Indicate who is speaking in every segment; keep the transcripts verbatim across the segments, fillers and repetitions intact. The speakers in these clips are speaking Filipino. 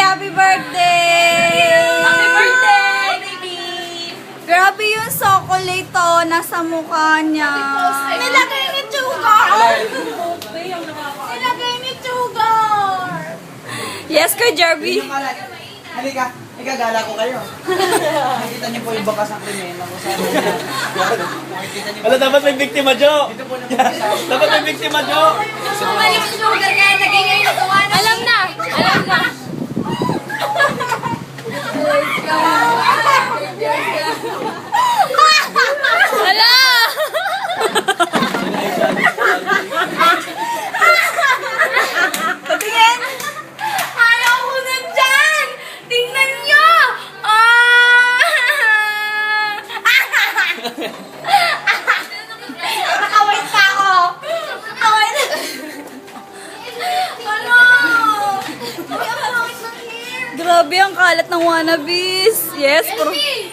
Speaker 1: Happy birthday!
Speaker 2: Happy birthday, baby!
Speaker 1: Grabe yung chocolate to, nasa mukha niya. Nilagay ni Sugar! Nilagay ni Sugar! Yes, Kuya Jerby.
Speaker 3: Halika, ikagala ko kayo. Nakikita niyo po yung bakas ng krimen.
Speaker 4: Wala, dapat may biktima, Jo!
Speaker 3: Ito po naman sa
Speaker 4: Dapat may biktima, Jo!
Speaker 2: Sumali si Sugar kaya naging ngayon natuwa na. Alam na! Alam na! Hala!
Speaker 1: Patingin!
Speaker 2: Ayaw ko na dyan! Tingnan nyo! Ah!
Speaker 1: Nakawait pa ako! Nakawait!
Speaker 2: Ano?
Speaker 1: Uy, ang pangit ng hair! Grabe ang kalat ng wannabes. Yes, pero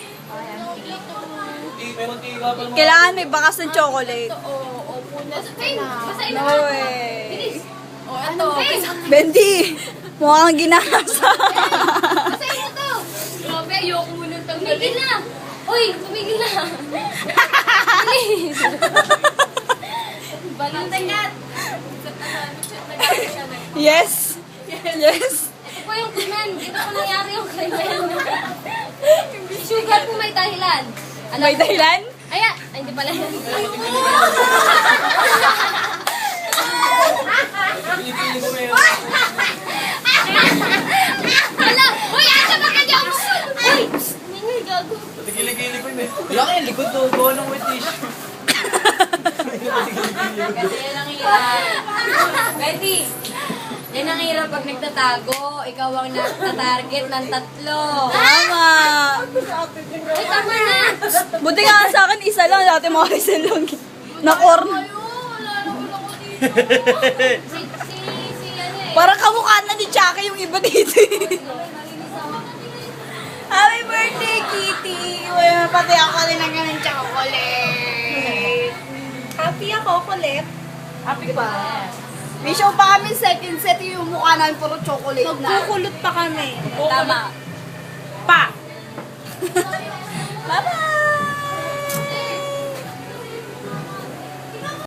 Speaker 1: kailangan may bakas ng chocolate.
Speaker 2: Oo, opo na. Basahin
Speaker 1: No
Speaker 2: mo.
Speaker 1: way.
Speaker 2: O, ito.
Speaker 1: Bendy, mukha kang ginasa.
Speaker 2: Basahin mo to. Grabe, ayoko mo nang tanggalin. Tumigil na. Uy, tumigil na. Please. Balantay ka.
Speaker 1: Yes. Yes.
Speaker 2: Ito po yung krimen. Ito po nangyari yung krimen. Sugar po may dahilan. Alam
Speaker 1: May
Speaker 2: mo-
Speaker 1: dahilan?
Speaker 2: Aya, ay, hindi pala yan. Hala! Uy, asa ba ka dyan? Uy! Hindi, gago.
Speaker 4: Tigili-gili ko yun eh.
Speaker 3: Wala kayo, likod to. Gawa ng wet tissue.
Speaker 2: Kasi yan ang hirap. Betty, yan ang hirap pag nagtatago. Ikaw ang nagtatarget ng tatlo.
Speaker 1: Tama.
Speaker 2: Ay, tama na!
Speaker 1: Buti nga sa akin, isa lang. Dati mga isa lang. Na-corn.
Speaker 2: Ayo, wala na ulo ko dito. Si, si, si, ano eh.
Speaker 1: Parang kamukha na ni Chucky yung iba dito. Happy birthday, Kitty! Uy, pati ako rin ang ganun chocolate. Happy ako, kulit. Happy pa. May show pa kami second set yung mukha namin puro chocolate na. Magkukulot pa kami. Tama. Pa! Bye-bye!